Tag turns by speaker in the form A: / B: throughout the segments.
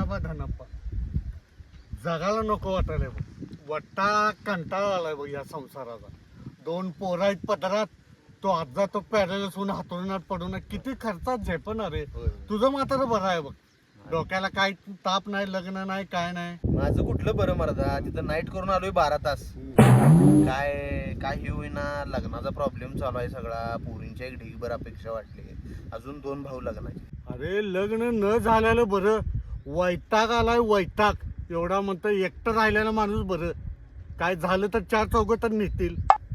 A: बा धनप्पा, जगाला नको वाटायला बघ. वट्टा कंटाळा आलाय बघ या संसाराचा. 2 पोरं आहेत पदरात, तो आजा तो पॅरेलस होऊन हातोरणात पडून किती खर्चात झेपणार आहे. तुझं मात्र बरं आहे बघ, डोक्याला काय ताप नाही, लग्न नाही, काय नाही.
B: माझं कुठलं बरं मर्दा, तिथं नाईट करून आलोय 12 तास. काय हे होईना, लग्नाचा प्रॉब्लेम चालू आहे सगळा. पोरींच्या एक ढीगभर अपेक्षा वाटली, अजून 2 भाऊ लग्नाचे.
A: अरे लग्न न झालेलं बरं, वैताग आलाय वैताग. एवढा म्हणतो एकटं राहिलेला माणूस बरं, काय झालं तर 4 चौघ तर निघतील.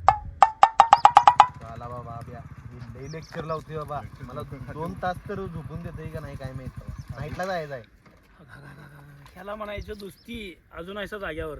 B: चला बाबा, लई लेक्चर लावते बाबा. मला 2 तास तर झोपून देते का नाही काय माहित. नाईटला जायचं आहे.
C: ह्याला म्हणायचं दुस्ती अजून आहे जाग्यावर.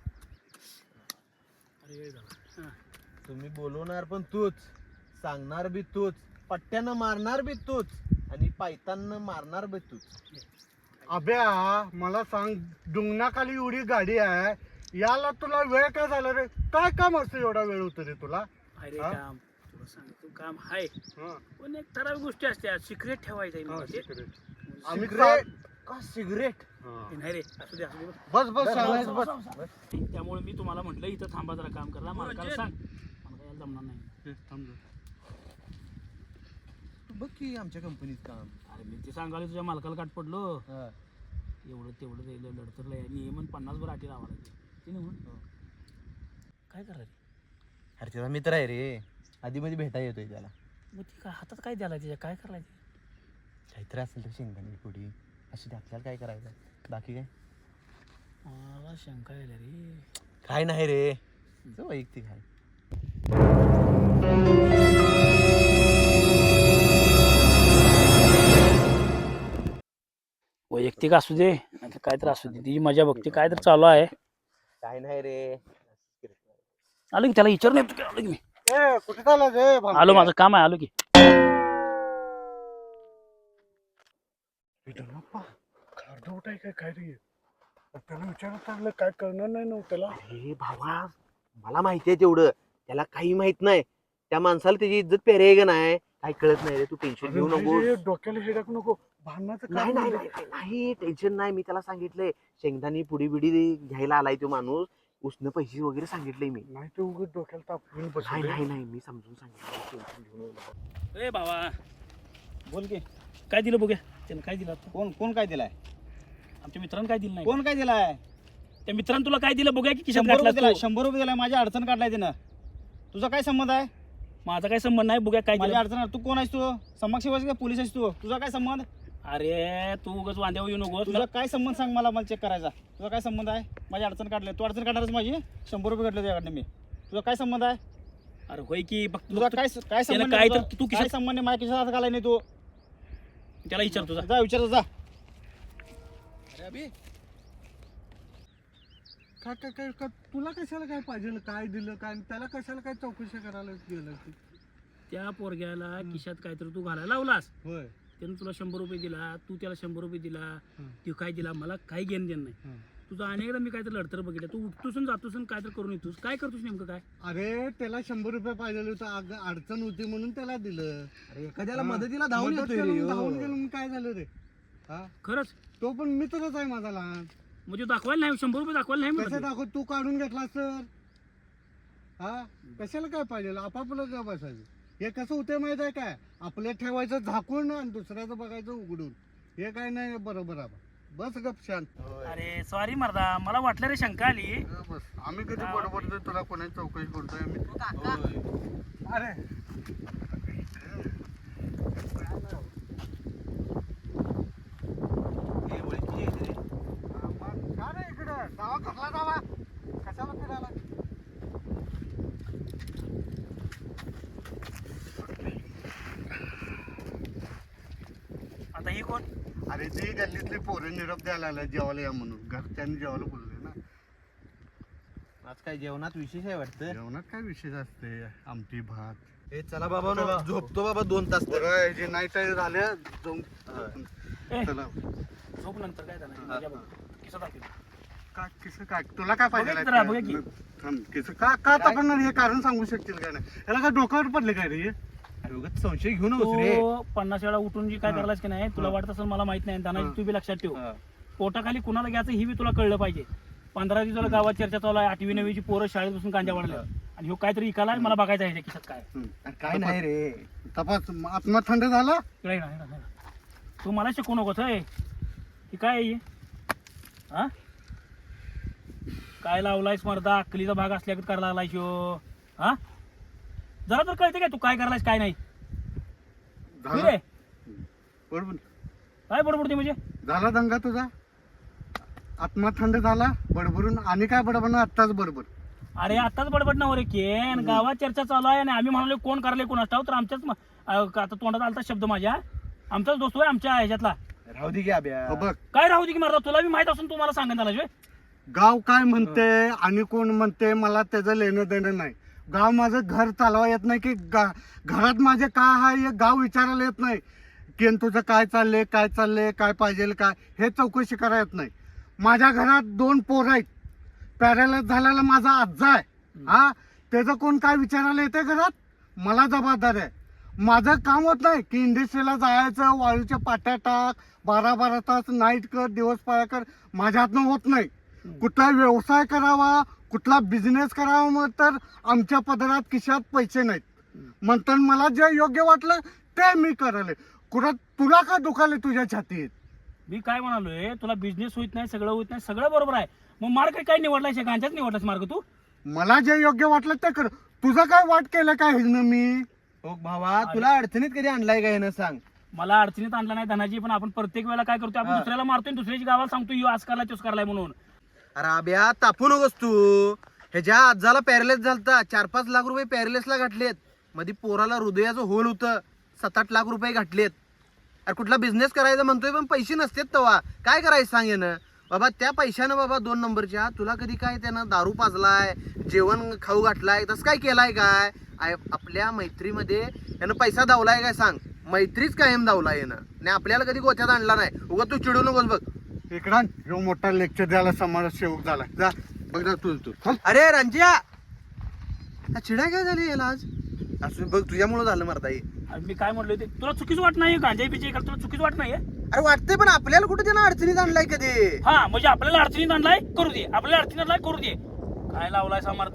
C: अरे वेळ झाला.
B: तुम्ही बोलवणार पण तूच, सांगणार बी तूच, पट्ट्यानं मारणार बी तूच आणि पायतानं मारणार बी तूच.
A: अभ्या मला सांग, डुंगणाखाली एवढी गाडी आहे, याला तुला वेळ काय झाला रे? काय काम असतं एवढा वेळ होतो रे तुला?
C: अरे काम तुला सांगतो, काम आहे पण एक ठराविक गोष्टी असत्या. सिक्रेट ठेवायचं
A: आम्ही
B: का सिगरेट
C: नाही रे. असू दे, असू दे.
A: बस बस सांगायचं बस.
C: त्यामुळे मी तुम्हाला म्हटलं इथं थांबा, जरा काम करा. मालकाला सांग, मला यायला जमणार नाही.
B: बघ की आमच्या कंपनीत काम.
C: अरे मी ते सांगायला तुझ्या मालकाला काट पडलो. एवढं तेवढं जाईल लढतर नियमन 50 वर आटी लावा लागते ते नाही म्हणून. काय करा रे?
B: अरे त्याचा मित्र आहे रे, आधी मध्ये भेटायला येतोय त्याला.
C: मग ती काय हातात काय द्यायला त्याच्या, काय करायचं?
B: काहीतरी असेल तर शेंगदाणे पुढे अशी ते, आपल्याला काय करायचं बाकी काय?
C: मला शंका यायला रे.
B: काय नाही रे, वैयक्तिक आहे.
C: वैयक्तिक असू दे काय तर असू दे, ती मजा बघते. काय तर चालू आहे.
B: काय नाही रे.
C: आलो की त्याला विचार नाही. आलो की मी,
A: कुठे चालला रे?
C: आलो, माझं काम आहे. आलो की.
A: काय रे? त्याला विचारत लागलं, काय करणार नाही नव्हतं त्याला.
B: अरे भावा, मला माहिती आहे तेवढं, त्याला काही माहित नाही. त्या माणसाला त्याची इज्जत पेरे आहे का नाही काही कळत नाही रे. तू टेन्शन घेऊ नको.
A: डोक्याला हेडक नको, भांडणाचं
B: नाही नाही नाही, टेन्शन नाही. मी त्याला सांगितलंय शेंगदाणी पुडी बिडी घ्यायला आलाय तो माणूस. उसनं पैसे वगैरे सांगितले मी.
A: नाही ते उगाच डोक्याला ताप घेऊन बस.
B: नाही नाही नाही, मी समजून सांगितलं. टेन्शन घेऊ नको.
C: ए बाबा बोल की, काय दिलं बघूया. त्यानं काय दिलं?
D: कोण काय दिलाय?
C: आमच्या मित्रांनी काय दिलं नाही.
D: कोण काय दिलाय?
C: त्या मित्रांनी तुला काय दिलं बघूया की.
D: 100 रुपये दिलाय. 100 रुपये दिलाय. माझी अडचण काढलाय त्यानं. तुझा काय संबंध आहे?
C: माझा काय संबंध नाही. बघूया काय
D: माझी
C: दिलं.
D: अडचण. तू कोण आहेस? तू समाजसेवक का पोलीस आहेस? तू तुझा काय संबंध?
C: अरे तू उगाच वांद्यावर येऊ नको.
D: तुझा काय संबंध सांग मला चेक करायचा. तुझा काय संबंध आहे? माझी अडचण काढलाय. तू अडचण काढणारच माझी. 100 रुपये काढले तुझ्याकडनं मी. तुझा काय संबंध आहे?
C: अरे होय की बघ
D: तुझा काय काय संबंध
C: काय
D: आहे?
C: तर तू
D: काय
C: किशा
D: संबंध आहे? माझ्या खिशात घालाय नाही तू.
C: त्याला विचार तुझा.
D: जा विचार जा.
A: काय काय काय काय तुला कशाला काय पाहिजे, काय दिलं काय, त्याला कशाला काय चौकशी करायला गेलं?
C: त्या पोरग्याला खिशात काहीतरी तू घालायला लावलास.
A: होय.
C: त्यानं तुला 100 रुपये दिला, तू त्याला 100 रुपये दिला. तू काय दिला मला काही घेणं देणं नाही. तुझा अनेकदा मी काहीतरी लढतर बघितलं. तू उठतोस जातोस काय तर करून येतोस. काय करतोस नेमकं काय?
A: अरे त्याला 100 रुपये पाहिजे होतं, अडचण होती म्हणून त्याला दिलं.
D: अरे एखाद्याला मदतीला धावून
A: मदत
D: येतोय
A: करून
D: रे.
A: धावून गेलो मग काय झालं रे? हा,
C: खरंच
A: तो पण मित्रच आहे माझा लहान.
C: म्हणजे दाखवायला नाही 100 रुपये दाखवायला नाही
A: कसं
C: म्हणत.
A: दाखव, तू काढून घेतला तर हा कशाला काय पाहिजे? आपापलं का बसायचं? हे कसं होतंय माहित आहे काय? आपल्या ठेवायचं झाकून आणि दुसऱ्याचं बघायचं उघडून. हे काय नाही बरोबर आहे. बस गप शांत.
C: अरे सॉरी मर्दा, मला वाटलं रे शंका आली.
A: बस आम्ही कधी बरोबर तुला कोणाची चौकशी करतोय आम्ही? अरे का रे इकडं जावा, कसला जावा, कशाला फिरायला?
C: आता ही कोण?
A: अरे ती गल्लीतली पोरं निरोप द्यायला आला जेवायला या म्हणून. घरच्यांनी जेवायला बोलले ना.
B: आज काय जेवणात विशेष आहे वाटतं.
A: जेवणात काय विशेष असते? आमटी भात.
B: हे चला बाबा,
A: चला.
B: झोपतो बाबा 2 तास.
A: बरं जे नाईट झाले जाऊन
C: ए,
A: चला.
C: झोप नंतर काय झालं मजा बघ. किस्सा दाखव.
A: काय किसं काय तुला काय पाहिजे?
C: बघा जरा, बघा की.
A: थांब, किसं का का तपणार? हे कारण सांगू शकतील काय? नाही याला काय डोक्यावर पडले काय रे?
B: अरे उगाच संशय घेऊ नकोस रे.
C: तू 50 वेळा उठून जी काय करायलास की नाही, तुला वाटत असेल मला माहित नाही. त्यांना तू बी लक्षात ठेव. पोटाखाली कुणाला घ्यायचं ही बी तुला कळलं पाहिजे. 15 दिवसाला गावात चर्चा चालू आहे. 8वी 9वीची पोरं शाळेत बसून गांजा वाढल्या आणि ह्यो काहीतरी इकाला मला बघायचं आहे ह्याच्या खिशात काय.
B: काय नाही रे.
A: तपास आत्मा थंड झाला.
C: इकडे ये ना, ये ना. तू मला शिकू नकोस हे काय आहे हे? हा काय लावलायस मर्दा? अक्कलीचा भाग असल्यागत करायला लागलाय शो. हा जरा तर कळते काय तू काय करायलायस काय नाही?
A: झाला
C: रे
A: बरोबर
C: काय बडबडते म्हणजे?
A: झाला दंगा तुझा. आत्मा थंड झाला बडबडून. आणि काय बडबड आत्ताच बरोबर.
C: अरे आताच बडबड ना रे केन. गावात चर्चा चालू आहे आणि आम्ही म्हणालो कोण करले कोण असतो तर आमच्याच आता तोंडात आलता शब्द माझ्या. आमचाच दोस्त आहे आमच्या ह्याच्यातला.
B: राहू दे की अभ्या.
A: हो बघ
C: काय राहू दे की मारता तुला बी माहित असून तू मला सांगत आला
A: गाव काय म्हणते आणि कोण म्हणते मला त्याचं लेणं देणं नाही. गाव माझं घर चालवा येत नाही की घरात माझे काय आहे हे गाव विचारायला येत नाही की तुझं काय चाललंय काय चाललंय काय पाहिजे काय हे चौकशी करायला येत नाही. माझ्या घरात 2 पोरं आहेत. पॅरालाइज झालेला माझा आजा आहे. हा त्याचं कोण काय विचारायला येते घरात? मला जबाबदार आहे. माझं काम होत नाही की इंडस्ट्रीला जायचं वाळूच्या पाट्या टाक 12-12 तास नाईट कर दिवस पाळ्या कर. माझ्या हातनं होत नाही. कुठला व्यवसाय करावा कुठला बिझनेस करावा मग तर आमच्या पदरात खिशात पैसे नाहीत. म्हणतात मला जे योग्य वाटलं ते मी करायला. कुठं तुला का दुखाले तुझ्या छातीत?
C: मी काय म्हणालोय तुला बिझनेस होत नाही सगळं होत नाही सगळं बरोबर आहे. मग मार्ग काय निवडलाय गांजाच निवडलास मार्ग तू?
A: मला जे योग्य वाटलं ते कर. तुझं काय वाट केलं काय हिनं मी?
B: हो भावा तुला अडचणीत कधी आणलाय का हे ना सांग.
C: मला अडचणीत आणला नाही धनाजी पण आपण प्रत्येक वेळेला काय करतो आपण दुसऱ्याला मारतोय दुसऱ्याची गावाला सांगतो यो आज करलाय तोच करलाय म्हणून.
B: अरे अभ्या तापू नकोस तू. ह्याच्या आजाला पॅरालाइज झालता. 4-5 लाख रुपये पॅरालाइजला घातलेत. मध्ये पोराला हृदयाचं होल होतं 7-8 लाख रुपये घातलेत. अरे कुठला बिझनेस करायचा म्हणतोय पण पैसे नसतेत तेव्हा काय करायचं सांग येणं बाबा. त्या पैशानं बाबा 2 नंबरच्या तुला कधी काय त्यानं दारू पाजलाय जेवण खाऊ घातलाय तसं काय केलाय काय? आपल्या मैत्रीमध्ये यानं पैसा दावलाय काय सांग? मैत्रीच कायम दावला येणं आणि आपल्याला कधी गोत्यात आणला नाही. उगा तू चिडू नकोस बघ.
A: इकडा ह्यो मोठा लेक्चर द्यायला समाज सेवक झाला. जा बघ ना तू चल.
B: अरे रंजिया चिडा काय झाली याला आज? असं बघ तुझ्यामुळे झालं मरता हे.
C: आणि मी काय म्हणलो ते तुला चुकीच वाट नाही गांजा पिचे तुला चुकीच वाट नाही?
B: अरे वाटतंय पण आपल्याला कुठे त्यानं अडचणीत आणलाय कधी?
C: हा म्हणजे आपल्याला अडचणीत आणलाय करू दे आपल्याला अडचणीत आणलाय करू दे. काय लावलाय समर्थ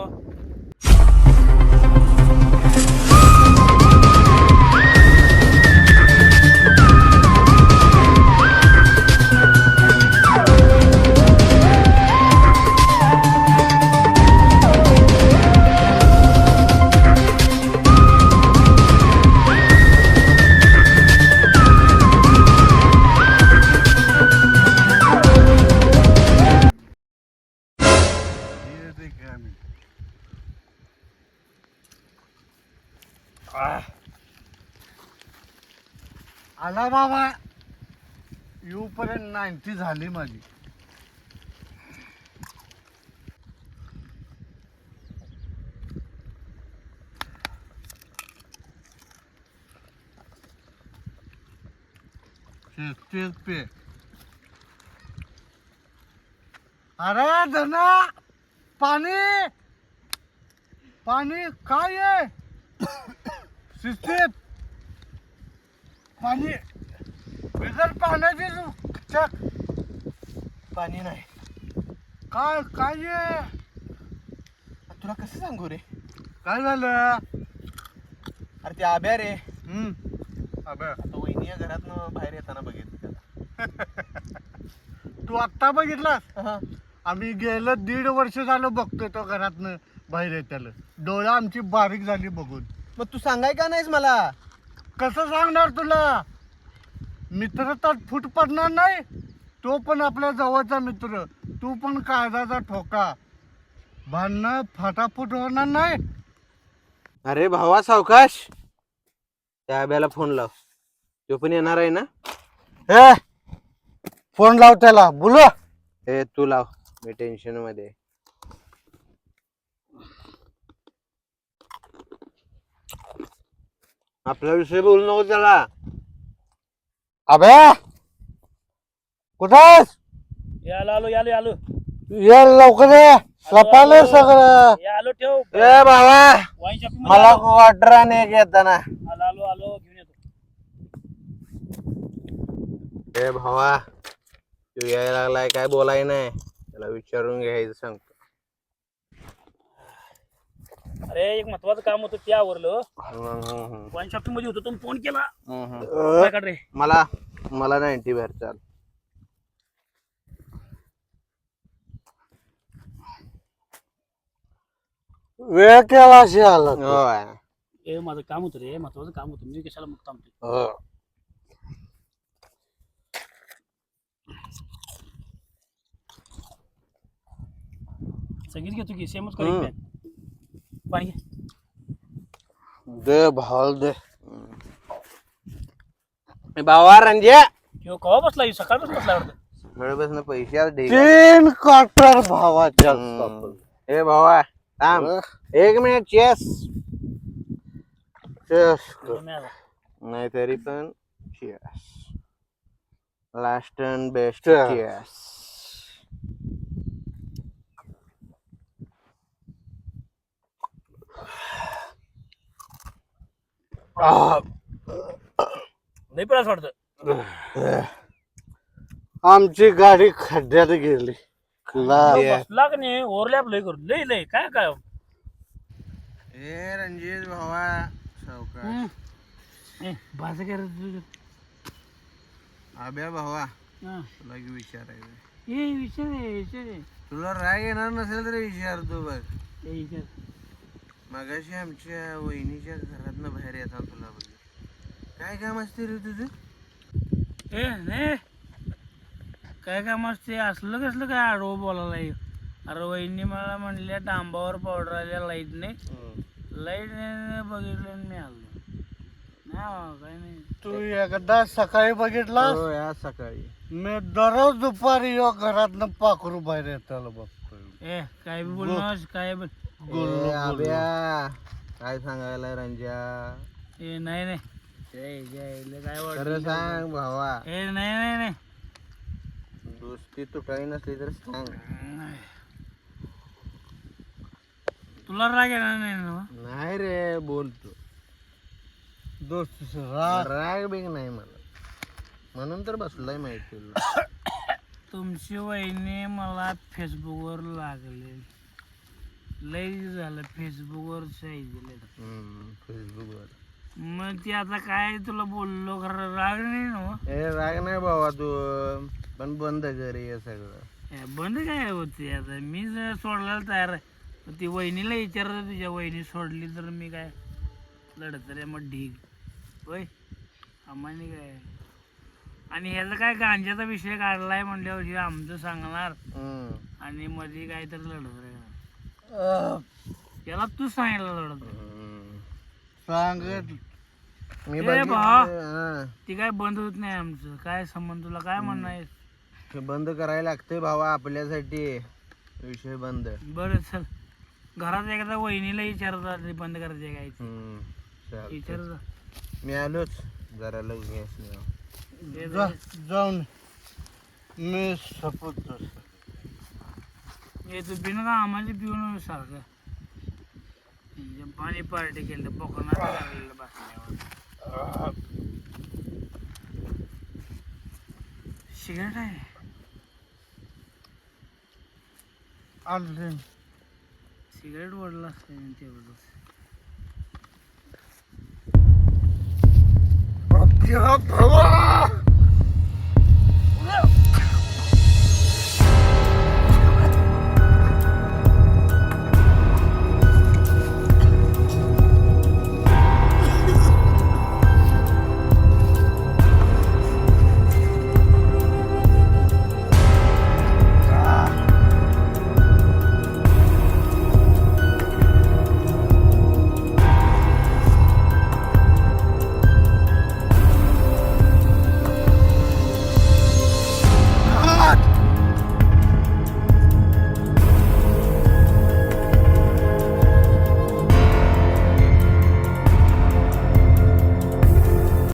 A: आला बाबा. येऊपर्यंत 90 झाली माझी. तेच पे. अरे धना पाणी पाणी काय आहे? शिस्तीत पाणी बिगर पाण्याची चक.
B: पाणी नाही.
A: काय काय आहे?
B: तुला कसं सांगू रे?
A: काय झालं?
B: अरे ते आब्या रे.
A: अबे
B: आता वहिनी या घरातनं बाहेर येताना बघितलं त्याला.
A: तू आत्ता बघितलास?
B: हा.
A: आम्ही गेलं 1.5 वर्ष झालं बघतोय तो घरातनं बाहेर येत्याला. डोळा आमची बारीक झाली बघून.
B: मग तू सांगाय का नाहीस मला?
A: कसं सांगणार तुला? मित्र तर फूट पडणार नाही. तो पण आपल्या जवळचा मित्र. तू पण काळजाचा ठोका. भांडणं फाटाफूट होणार नाही.
B: अरे भावा सावकाश. त्या आब्याला फोन लाव. तो पण येणार आहे ना?
A: ए फोन लाव त्याला बोला.
B: ए तू लाव. मी टेन्शन मध्ये. आपला विषय बोलू नको त्याला.
A: अबे कुठेस?
C: यालो आलो यालो यालो
A: ये लवकर ये. लपाले सगळं.
C: आलो ठेव
B: ए भावा
C: वाईन शॉपिंग
B: मला वाटर आणि एक येताना.
C: आलो आलो आलो घेऊन येतो.
B: ए भावा तू यायला लागलाय काय बोलाय नाही त्याला विचारून घ्यायचं सांगतो.
C: अरे एक महत्वाचं काम होतं ते आवरलं. वाईन शॉपिंग मध्ये होतो तुम्ही फोन केला. काय काढ रे?
B: मला 90 बाहेर चाल.
A: वेळ केला अशी आला तू.
B: होय.
C: ए माझं काम होतं रे, महत्वाचं काम होतं. मी कशाला मग थांबतो.
B: हो.
C: सगळीच घेतो की सेमच करेक्ट आहे. पाणी घे.
B: दे भाल दे. भावा रंजे
C: किंवा कवा बसला सकाळपासून बसला वाटतं.
B: सगळ्यापासून पैसे आज ढेग.
A: 3 क्वार्टर भावाच्या सापडलं.
B: ए भावा थांब 1 मिनिट. चेस नाही तरी पण chess. Last and best chess.
C: नाही पण असं वाटतं.
A: आमची गाडी खड्ड्यात गेली.
C: बसला का नाही ओव्हरलॅप लय करू लय काय काय.
B: ए रणजित भावा सावकाश.
C: भाषा काय रे
B: आब्या भावा
C: तुझं.
B: तुला की विचारायचं.
C: ए विचार
B: तुला राग येणार नसेल तर विचारतो बघ.
C: विचार.
B: मगाशी आमच्या वहिनीच्या घरातनं बाहेर येतात तुला बघ. काय काम असते रे तुझं?
C: ए नाही काय काम असते असलं कसलं काय आडवं बोलायला. अरे वहिनी मला म्हणल्या डांबावर पावडर आल्या लाईट नाही बघितलं मी आलो. नाही काय नाही.
A: तू एकदा सकाळी बघितला.
B: हो आज सकाळी.
A: मी दररोज दुपारी यो घरातनं पाखरू बाहेर येताला बघतोय.
C: ए काय बी बोलणं काय बोल.
B: ए, आब्या काय सांगायला रंजा?
C: ए नाही नाही काय
B: खरं
C: वाटत.
B: सांग भावा.
C: ए नाही
B: दोस्ती तुटाई नसली तर सांग.
C: तुला राग येणार नाही ना.
B: नाही रे बोलतो.
A: दोस्तीचं
B: राग बिग नाही मला म्हणून तर बसलाय माहिती तुला.
C: तुमची वहिनी मला फेसबुकवर लागले. लई झालं फेसबुकवर
B: फेसबुकवर.
C: मग ती आता काय तुला बोललो खरं राग नाही ना.
B: ए राग नाही भावा तू पण बंद कर हे सगळं.
C: बंद काय होते आता मी जर सोडल्याला तयार आहे. ती वहिनीला विचारत तुझ्या वहिनी सोडली तर मी काय लढत रे मग ढीग होय आम्हाने काय. आणि ह्याचा काय गांजाचा विषय काढलाय म्हणल्यावर आमचं सांगणार आणि मध्ये काय तर लढत रे. त्याला तू सांगितलं लढत
A: सांगत
B: मी
C: ती काय बंद होत नाही आमचं. काय संबंध तुला काय म्हणणं आहे.
B: ते बंद करायला लागतंय भावा आपल्यासाठी. विषय बंद.
C: बरं चल घरात एकदा वहिनीला विचारतात बंद करायचे काय विचारत.
B: मी आलोच जरा लग्न
A: जाऊन मी सपूत
C: हे तू बिन का आम्हाला पिऊन सारखं पाणी पार्टी केलं बोकणार बसल्यावर. सिगरेट आहे
A: आणले.
C: सिगरेट ओढला असतं तेवढंच.
A: भावा